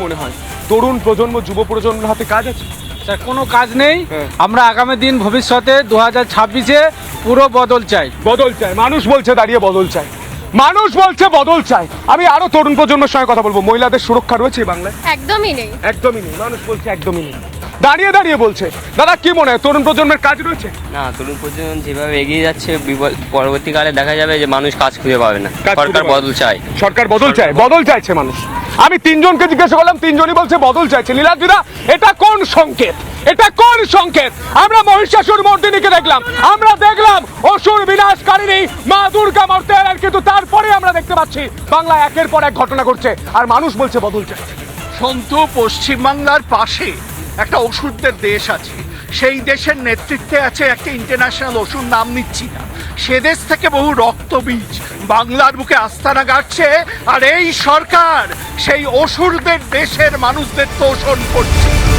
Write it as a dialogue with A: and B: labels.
A: মনে হয় তরুণ প্রজন্ম যুব প্রজন্মের হাতে কাজ আছে?
B: স্যার কোনো কাজ নেই। আমরা আগামী দিন ভবিষ্যতে 2026-এ পুরো বদল চাই।
A: বদল চাই, মানুষ বলছে দাঁড়িয়ে বদল চাই, মানুষ বলছে বদল চাই। আমি আরো তরুণ প্রজন্মের সঙ্গে কথা বলবো। মহিলাদের সুরক্ষা রয়েছে এই বাংলায়?
C: একদমই নেই।
A: একদমই নেই, মানুষ বলছে একদমই নেই। দাঁড়িয়ে দাঁড়িয়ে বলছে। দাদা কি মনে হয় তরুণ প্রজন্মের কাজ রয়েছে?
D: না, তরুণ প্রজন্ম যেভাবে এগিয়ে যাচ্ছে পরবর্তীকালে দেখা যাবে যে মানুষ কাজ খুঁজে পাবে না।
A: কাজ খুঁজে
D: সরকার
A: পাবে না।
D: বদল চায়।
A: সরকার বদল চায়, বদল চাইছে মানুষ। আমি তিনজনকে জিজ্ঞাসা করলাম, তিনজনই বলছে বদল চাইছে। নীলাদ্রিদা, এটা কোন সংকেত? এটা কোন সংকেত? আমরা মহিষাসুর মর্দিনীকে দেখলাম, আমরা দেখলাম অসুর বিনাশকারিণী মা দুর্গা মরতে এলেন, কিন্তু তারপরে আমরা দেখতে পাচ্ছি বাংলায় একের পর এক ঘটনা ঘটছে আর মানুষ বলছে বদল চাইছে।
E: সন্তু, পশ্চিমবাংলার পাশে একটা ওষুধদের দেশ আছে, সেই দেশের নেতৃত্বে আছে একটা ইন্টারন্যাশনাল ওষুধ, নাম নিচ্ছি না, সে দেশ থেকে বহু রক্তবীজ বাংলার বুকে আস্তানা গাড়ছে, আর এই সরকার সেই অসুরদের দেশের মানুষদের তোষণ করছে।